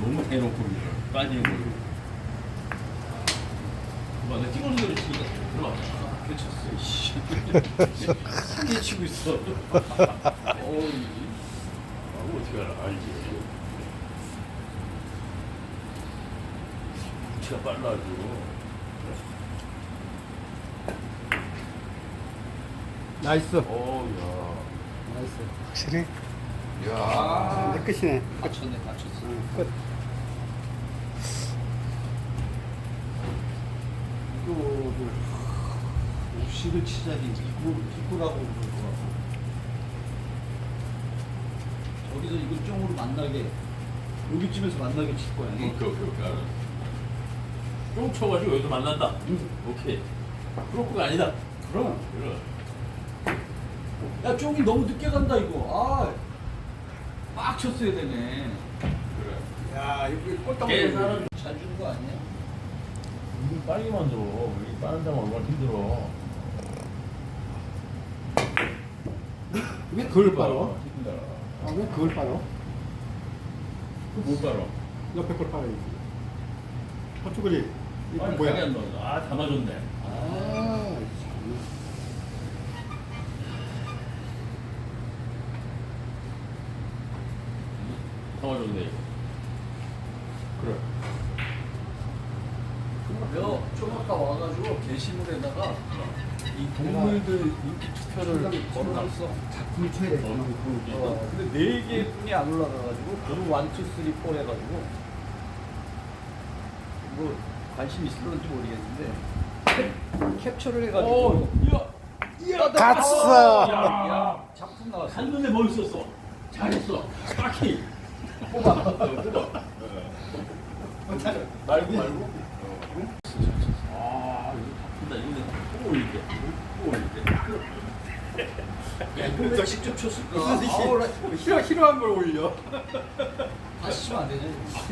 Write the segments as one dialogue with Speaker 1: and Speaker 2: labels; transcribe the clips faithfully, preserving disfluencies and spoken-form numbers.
Speaker 1: 너무 대놓고 빠지는 걸로. 봐, 나 찍어놓은 대로 치니까 들어왔잖아. 그쳤어, 씨. 상계 치고 있어. 어이. 아, 어떻게 알아? 알지. 치가 빨라가지고.
Speaker 2: 나이스.
Speaker 1: 어우, 야.
Speaker 2: 나이스.
Speaker 3: 확실히
Speaker 1: 야.
Speaker 2: 이제 끝이네.
Speaker 1: 다쳤네, 다쳤어.
Speaker 2: 응, 끝.
Speaker 1: 이거를 옵시를 치자니 이거 이거라고 그러더라고. 저기서 이걸 쪽으로 만나게 여기쯤에서 만나게 칠 거야. 오케이 오케이 오케이 알았어. 쫑 쳐가지고 여기서 만난다. 응. 오케이. 프로프가 아니다. 그럼. 그럼. 야 쪽이 너무 늦게 간다 이거. 아. 빡 쳤어야 되네. 그래.
Speaker 2: 야, 이거 꼴딱
Speaker 1: 걔
Speaker 2: 먹는
Speaker 1: 사람 잘 주는 거 아니야? 이거 빨리 만들어. 이 빠른 장면 얼마나 힘들어.
Speaker 2: 왜 그걸 빨어?
Speaker 1: 힘들어.
Speaker 2: 아, 왜 그걸 빨어?
Speaker 1: 그못 빨어.
Speaker 2: 옆에 걸 빨아야지. 저쪽이 이거
Speaker 1: 빨리
Speaker 2: 뭐야?
Speaker 1: 가게 안 넣어. 아, 다 맞았네.
Speaker 2: 아, 참.
Speaker 1: 다 맞았네, 이거.
Speaker 2: 그래.
Speaker 1: 여, 좀 아까 와가지고 게시물에다가 이 동물들 인기 투표를 걸어놨어.
Speaker 2: 작품 쳐야 돼.
Speaker 1: 어, 근데 네 개뿐이 안 올라가가지고 그룹 원, 투, 쓰리, 포 해가지고 뭐 관심 있을런지 모르겠는데 캡- 캡처를 해가지고 야,
Speaker 3: 갔어.
Speaker 1: 야, 야, 작품 나왔어. 한눈에 멋있었어. 잘했어. 딱히 뽑아. 뽑아. 말고 말고. 아 이거 바쁜다. 이거 내가 또 올릴게. 또 올릴게. 야 이거 너 직접 쳤을까? 아우, 나
Speaker 2: 싫어, 싫어한 걸 올려.
Speaker 1: 다시 치면 안 되냐?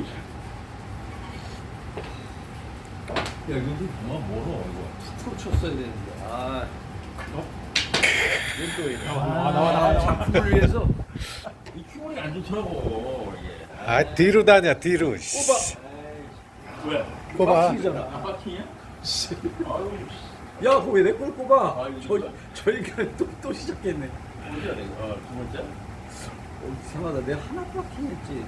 Speaker 1: 야 이거 그만 멀어 이거. 투 프로 쳤어야 되는데. 아. 어? 이건 또 이거.
Speaker 2: 나와, 나와, 나와, 나와, 나와.
Speaker 1: 작품을 위해서 이 큐머리가 안 좋더라고 이게.
Speaker 3: 아 뒤로 다녀 뒤로.
Speaker 1: 뽑아. 왜?
Speaker 3: 뽑아.
Speaker 1: 빡킹이잖아. 아, 빡킹이야? 아유.
Speaker 2: 야, 그거 왜 내 걸 뽑아?
Speaker 1: 아, 이거
Speaker 2: 저,
Speaker 1: 진짜.
Speaker 2: 저희가 또, 또 시작했네.
Speaker 1: 어디야 내가? 아, 두 번째?
Speaker 2: 어, 이상하다. 내가 하나 빡킹 했지.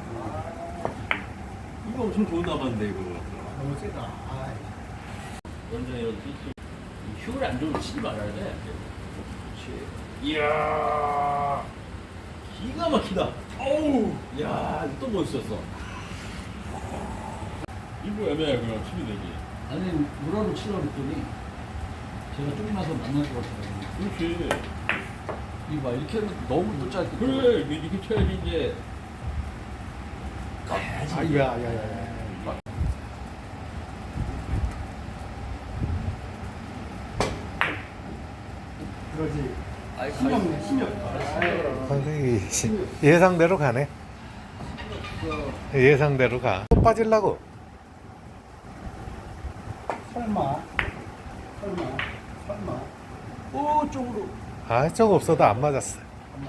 Speaker 1: 이거 엄청 좋은 남았는데 이거.
Speaker 2: 너무 세다. 아,
Speaker 1: 원장이라도 휴를 안 좋으면 치지 말아야 돼. 그렇지. 이야. 기가 막히다. 어우. 야, 이거 또 멋있었어. 이거 애매해 그냥 치면 되지. 아니 무라로 치려고 했더니 제가 좀 나서 만날 것 같아요. 그렇지. 이거 봐 이렇게 하면 너무 또 짧게. 그래 이렇게 쳐야지 이제. 가야지.
Speaker 2: 아, 야, 야, 야, 야. 그러지.
Speaker 1: 아이,
Speaker 2: 힘이 없네, 힘이
Speaker 1: 알았어.
Speaker 2: 없네.
Speaker 3: 아, 예상대로 가네. 예상대로 가. 또 빠질라고.
Speaker 2: 설마. 설마. 설마.
Speaker 1: 오 쪽으로.
Speaker 3: 아, 저거 없어도 안 맞았어.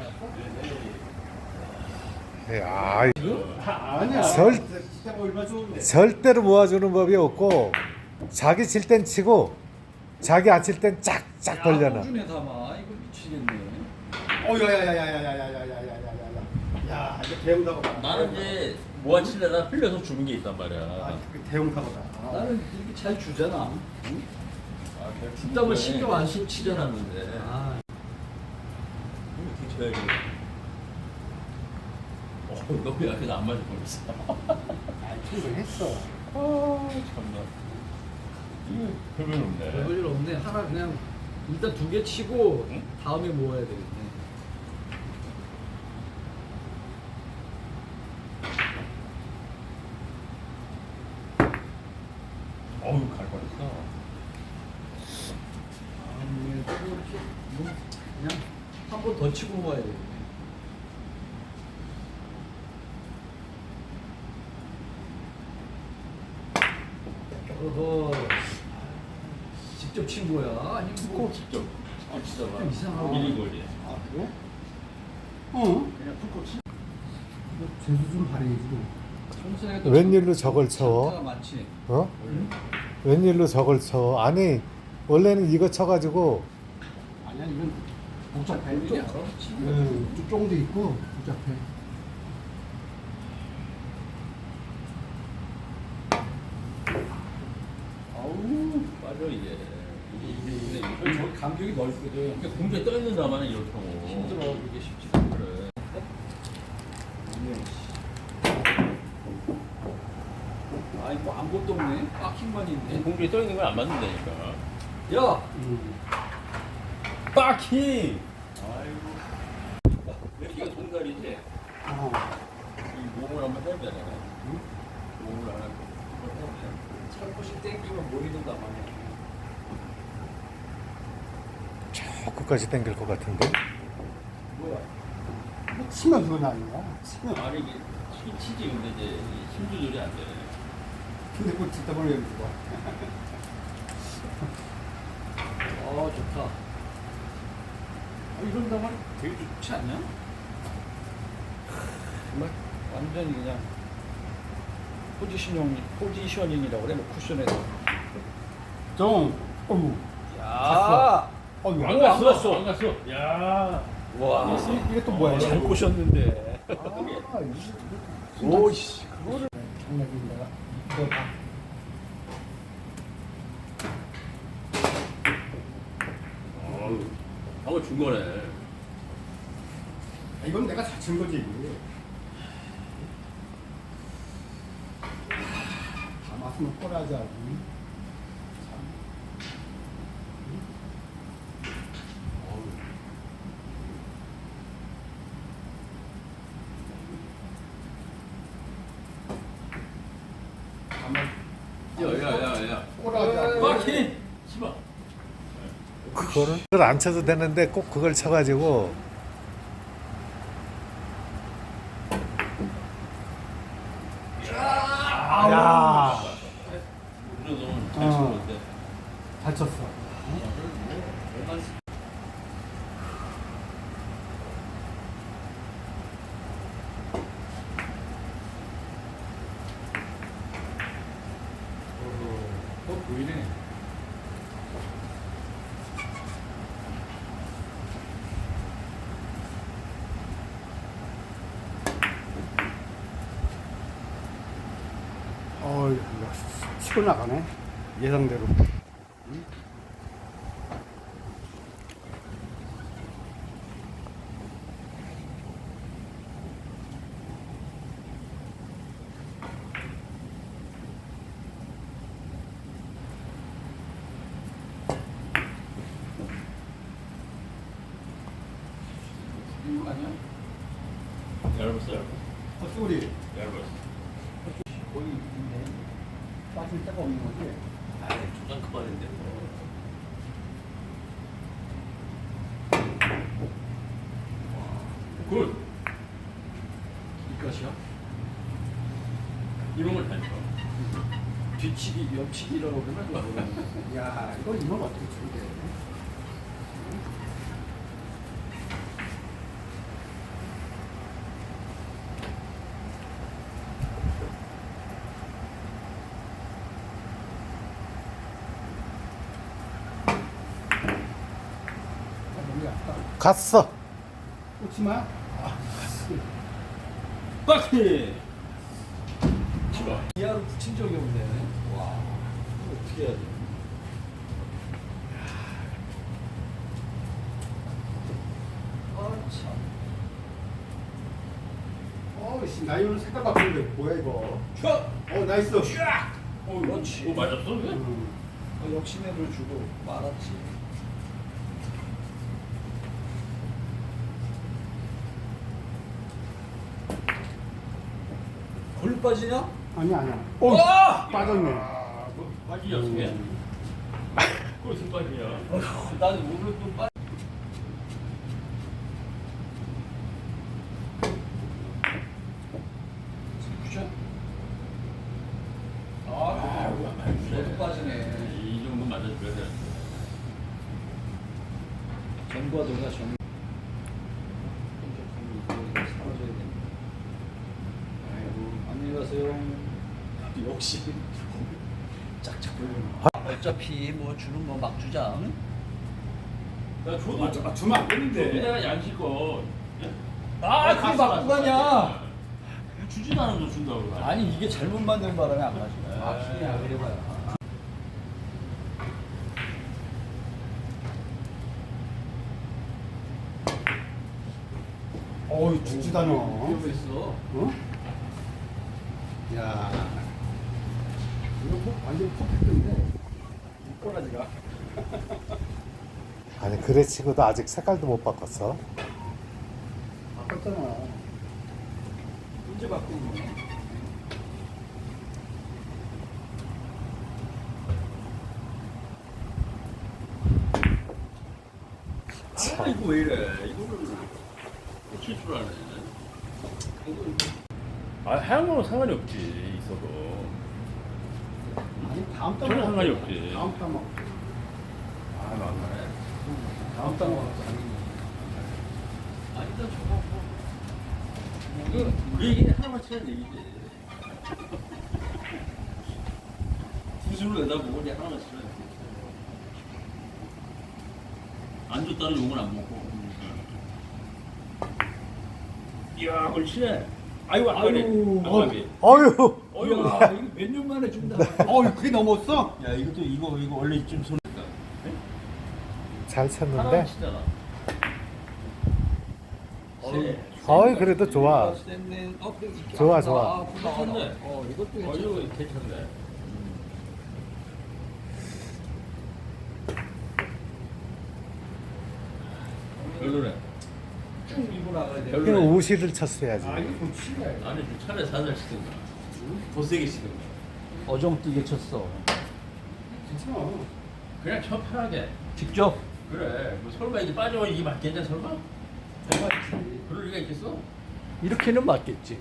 Speaker 3: 야,
Speaker 2: 아, 아니야.
Speaker 3: 절-
Speaker 2: 진짜 얼마 좋은데.
Speaker 3: 절대로 모아주는 법이 없고 자기 칠 땐 치고 자기 안 칠 땐 쫙쫙 벌려놔.
Speaker 1: 중에 담아. 이거 미치겠네.
Speaker 2: 어, 야, 야, 야, 야, 야, 야, 야, 야, 야, 야, 야, 야, 야. 야, 이거 대형 사고다.
Speaker 1: 나는 이제 모아치려다 흘려서 주는 게 있단 말이야.
Speaker 2: 아, 그 대형 사고다. 아.
Speaker 1: 나는 이렇게 잘 주잖아. 응? 뒷담을 신경 안 쓰고 치잖아, 근데.
Speaker 2: 아,
Speaker 1: 이렇게 쳐야지. 어, 너무 약해서 안 맞을 뻔했어.
Speaker 2: 아, 충분했어.
Speaker 1: 아, 참나. 이거 별별 없네.
Speaker 4: 별일 없네. 하나 그냥 일단 두 개 치고
Speaker 1: 응?
Speaker 4: 다음에 모아야 되겠네.
Speaker 1: 어우, 갈 뻔했어.
Speaker 4: 아니, 또 이렇게 뭐 그냥 한 번 더 치고 모아야 되겠네. 어허. 직접 친 거야? 아니 뭐
Speaker 1: 꼭 직접. 아, 진짜.
Speaker 4: 좀 이상하고.
Speaker 1: 미리 거리.
Speaker 2: 아, 그래? 어?
Speaker 1: 그냥 푹 치.
Speaker 2: 재수 좀 발휘해지.
Speaker 4: 청소년이 또
Speaker 3: 웬일로 저걸 쳐?
Speaker 4: 차가 많지.
Speaker 3: 어? 웬일로 저걸 쳐? 아니 원래는 이거 쳐가지고
Speaker 2: 아니야 이건 복잡해.
Speaker 4: 웬일이 알아?
Speaker 2: 응, 쫑도 있고 복잡해.
Speaker 1: 아우 빠져 이게. 이게 이게 이게
Speaker 4: 저 간격이 넓거든.
Speaker 1: 이게 공중에 떠 있는 다만 이렇게 하고.
Speaker 4: 힘들어. 이게 쉽지가 않아.
Speaker 1: 그래.
Speaker 4: 아이 뭐 아무것도 없네. 빡킹만 있네.
Speaker 1: 공중에 떠 있는 건 안 맞는다니까.
Speaker 4: 야,
Speaker 2: 음.
Speaker 1: 빠킹. 아이고. 여기가 동달이지.
Speaker 2: 어.
Speaker 1: 이 몸을 한번 해야 되잖아. 응? 몸을 하나 한번 해야 돼.
Speaker 4: 살포시 땡기면 머리도 남아네.
Speaker 3: 저 끝까지 당길 것 같은데.
Speaker 4: 뭐야?
Speaker 2: 뭐 치면 그건 아니야. 치면.
Speaker 1: 아니 이게 치, 치지 근데 이제 이 힘 조절이 안 돼.
Speaker 2: 근데 그걸 듣다 보니 여기 봐.
Speaker 4: 어 좋다. 아, 이런 다만 되게 좋지 않냐? 정말 완전히 그냥 포지션형 포지셔닝이라고 그래, 뭐 쿠션에서.
Speaker 2: 쫑. 어우.
Speaker 4: 야,
Speaker 2: 어, 이거
Speaker 1: 안
Speaker 2: 안
Speaker 1: 갔어,
Speaker 2: 갔어.
Speaker 1: 안 갔어. 야.
Speaker 4: 와,
Speaker 2: 이게 또 뭐야?
Speaker 4: 잘 보셨는데.
Speaker 2: 아, 이거
Speaker 4: 오씨, 그거를
Speaker 2: 장난인가? 이거 봐.
Speaker 1: 어우, 방금 준 거네.
Speaker 2: 아, 이건 내가 잘 친 거지. 다 맞으면 꼬라지.
Speaker 1: 야야야야.
Speaker 2: 꼬라지.
Speaker 1: 빠킹. 치마.
Speaker 3: 그거를 그걸 안 쳐도 되는데 꼭 그걸 쳐가지고
Speaker 2: 야.
Speaker 1: 우리 너무
Speaker 2: 어.
Speaker 1: 잘 치는데.
Speaker 2: 잘 쳤어.
Speaker 4: 어 보이네.
Speaker 2: 어, 이거 치고 나가네. 예상대로.
Speaker 4: 이거 아니야?
Speaker 1: 얇았어, 얇았어.
Speaker 2: 어, 소리.
Speaker 1: 얇았어.
Speaker 2: 거의 있네. 빠질 데가 없는 거지.
Speaker 1: 아이, 조장 그만인데. 굿.
Speaker 4: 이것이야?
Speaker 1: 이런 걸 다니까.
Speaker 4: 뒤치기, 옆치기라고 그러면 그거.
Speaker 2: 야, 이거 이건 어떻게 치면 돼? 아, 너무 얇다.
Speaker 3: 갔어.
Speaker 2: 꽂지 마.
Speaker 1: 빠킹. 치마.
Speaker 4: 이하로 붙인 적이 없네. 와, 이거 어떻게 해야 돼? 아 참.
Speaker 2: 어, 씨, 나 이거 색깔 바꾸는데 뭐야 이거?
Speaker 1: 촥.
Speaker 2: 어, 나이스.
Speaker 1: 어,
Speaker 4: 그렇지.
Speaker 1: 어, 맞았어? 그게?
Speaker 2: 음.
Speaker 4: 어, 역시내를 주고 말았지. 걸로 빠지냐?
Speaker 2: 아니야, 아니야.
Speaker 1: 어!
Speaker 2: 어, 빠졌네.
Speaker 1: 아, 뭐 빠지냐, 그게?
Speaker 2: 음.
Speaker 1: 그거 무슨 빠지냐?
Speaker 4: 나는 오늘 또 빠. 쿠션. 아, 너도 빠지네.
Speaker 1: 이 정도 맞아줘야 돼.
Speaker 4: 전과 도가 전. 사라져야 돼. 아이고, 안녕히 가세요. 역시 짝짝 걸리는. 어차피 뭐 주는 거 막 주자. 응?
Speaker 1: 야, 줘도
Speaker 2: 아, 주- 아, 주면 안 되는데.
Speaker 1: 내가 양식껏.
Speaker 4: 아, 그게 맞고 가냐?
Speaker 1: 주지도 않은 거 준다고. 그래.
Speaker 4: 아니 이게 잘못 만든 바람에 안 가지.
Speaker 1: 아,
Speaker 4: 그냥 그래봐야.
Speaker 2: 어이 죽지도 않아.
Speaker 4: 위험했어.
Speaker 2: 어? 야. 이거 뭐 완전 퍼펙트인데. 꼬라지가.
Speaker 3: 아니 그래 치고도 아직 색깔도 못 바꿨어.
Speaker 2: 바꿨잖아.
Speaker 4: 언제 바꾼 거야?
Speaker 1: 아, 이거 왜 이래? 이거를 고칠 줄 아네. 아, 하얀 거는 상관이 없지, 있어도.
Speaker 2: 아니 다음 달
Speaker 1: 전혀 상관이 없지.
Speaker 2: 다음 달 먹.
Speaker 1: 아, 막말해.
Speaker 2: 다음 달 먹.
Speaker 1: 아, 일단 저거 뭐. 그, 그 얘기는 하나만 치는 얘기지. 구슬을 내다보고 이제 하나만 치는 얘기. 안 줬다는 욕은 안 먹고. 이야, 그걸 치네. 아이고, 아까네.
Speaker 2: 아이고,
Speaker 1: 아까비.
Speaker 3: 어휴.
Speaker 1: 어이구,
Speaker 4: 이야, 이거 몇 년 만에 준다.
Speaker 2: 어, 그게 넘었어?
Speaker 1: 야, 이것도 이거, 이거 원래 좀 손.
Speaker 3: 잘
Speaker 1: 하나만
Speaker 3: 쳤는데.
Speaker 1: 치잖아.
Speaker 4: 어이,
Speaker 3: 어이 그래도 좋아.
Speaker 4: 쌤는 어, 그래, 이렇게
Speaker 3: 좋아,
Speaker 4: 아,
Speaker 3: 좋아.
Speaker 4: 아,
Speaker 1: 괜찮네.
Speaker 4: 어, 이것도
Speaker 1: 어,
Speaker 4: 괜찮네.
Speaker 1: 이거 괜찮네. 별로네.
Speaker 4: 쭉 밀고 나가야 돼.
Speaker 1: 별로-
Speaker 3: 그냥 우시를 쳤어야지.
Speaker 2: 아, 이거 좀 치네.
Speaker 1: 아니, 좀 차라리 살살 치든가. 더 세게 치든가.
Speaker 4: 어정뛰게 쳤어.
Speaker 2: 괜찮아.
Speaker 1: 그냥 쳐 편하게.
Speaker 4: 직접.
Speaker 1: 그래. 뭐 설마 이게 빠져 이게 맞겠냐 설마?
Speaker 4: 해봤지.
Speaker 1: 그럴 리가 있겠어?
Speaker 4: 이렇게는 맞겠지.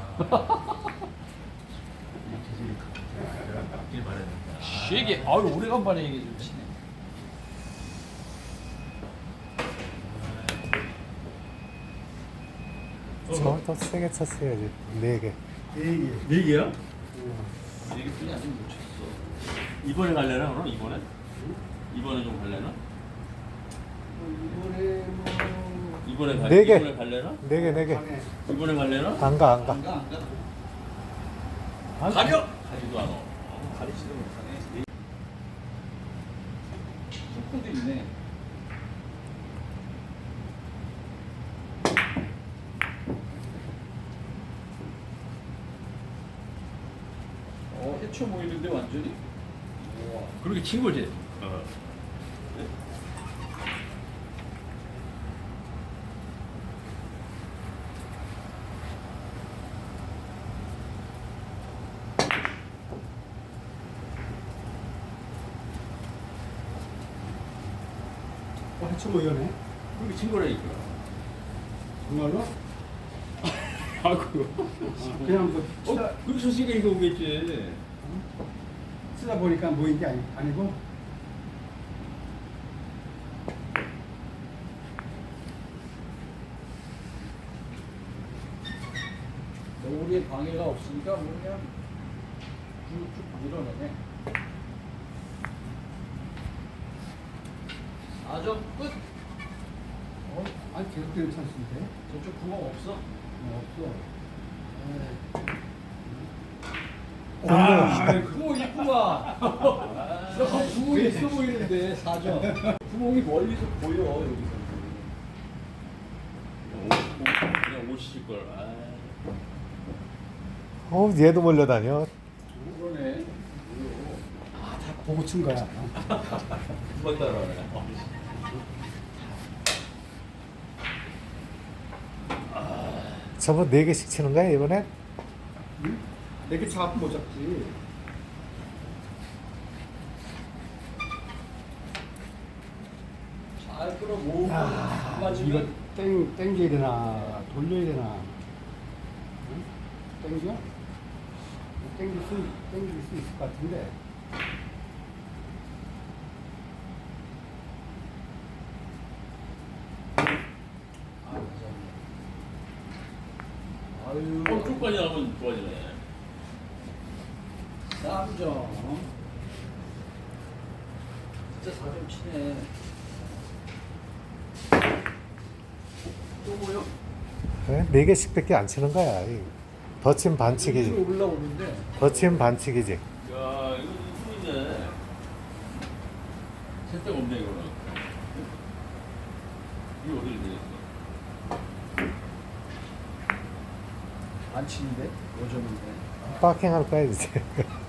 Speaker 1: 맞길 바랬는데.
Speaker 4: 쉬게. 아유, 오래간만에 얘기 좀 치네.
Speaker 3: 저더 세게 쳤어야지. 네 개.
Speaker 2: 얘기.
Speaker 1: 네 개야? 네 개뿐이 아직 못 쳤어. 이번에 갈래나 그럼 이번에? 이번에 좀 갈래나?
Speaker 2: 이번에 뭐.
Speaker 1: 이번에 갈
Speaker 3: 네 개.
Speaker 1: 이번에 갈래나?
Speaker 3: 네 개, 네 개.
Speaker 2: 방에.
Speaker 1: 이번에 갈래나?
Speaker 3: 안 가, 안 가.
Speaker 4: 안 가, 안 가.
Speaker 1: 가려! 가지도 않아.
Speaker 4: 가리지도 못하네. 속도도 있네. 어, 해쳐 모이는데 완전히. 우와.
Speaker 1: 그렇게 친 거지. 어.
Speaker 2: 어, 해쳐 뭐 이러네.
Speaker 1: 그렇게 친 거라니까.
Speaker 2: 정말로?
Speaker 1: 아이고.
Speaker 2: 아, 그냥 뭐 치다,
Speaker 1: 어, 그렇게 쳤으니까 이거 오겠지.
Speaker 2: 치다 보니까 모인 게 아니, 아니고.
Speaker 4: 우리의 방해가 없으니까 뭐 그냥 쭉쭉 밀어내네. 아점 끝.
Speaker 2: 어, 아니 계속 되는 찬스인데.
Speaker 4: 저쪽 구멍 없어?
Speaker 2: 어, 없어.
Speaker 4: 아, 구멍 있구만. 너 구멍이 있어 보이는데 사 점. 구멍이 멀리서 보여 여기서.
Speaker 1: 그냥 오실 걸. 아.
Speaker 3: 어, 얘도 몰려다녀.
Speaker 4: 그러네.
Speaker 2: 아, 다 보고 친 거야.
Speaker 1: 두번 따라하네.
Speaker 3: 저거 네 개씩 치는 거야 이번엔?
Speaker 2: 응? 내게 잡고 못 잡지.
Speaker 4: 잘 끌어모으고
Speaker 2: 야, 이거
Speaker 4: 맞으면
Speaker 2: 땡, 땡겨야 되나, 돌려야 되나. 응? 땡겨? 땡길 수, 땡길 수 있을 것 같은데.
Speaker 4: 아유.
Speaker 1: 어, 쪽까지 나가면 좋아지네.
Speaker 4: 삼 점. 진짜 사 점 치네. 또 뭐요?
Speaker 3: 네 개씩밖에 안 치는 거야. 더 치면 반칙이지.
Speaker 4: 위로 올라오는데.
Speaker 3: 더 치면 반칙이지.
Speaker 1: 야, 이거 숨이네. 채택 없네, 이거는. 이거 어디를 내렸어?
Speaker 4: 안 치는데? 오 점인데.
Speaker 3: 파킹 할 거야 이제.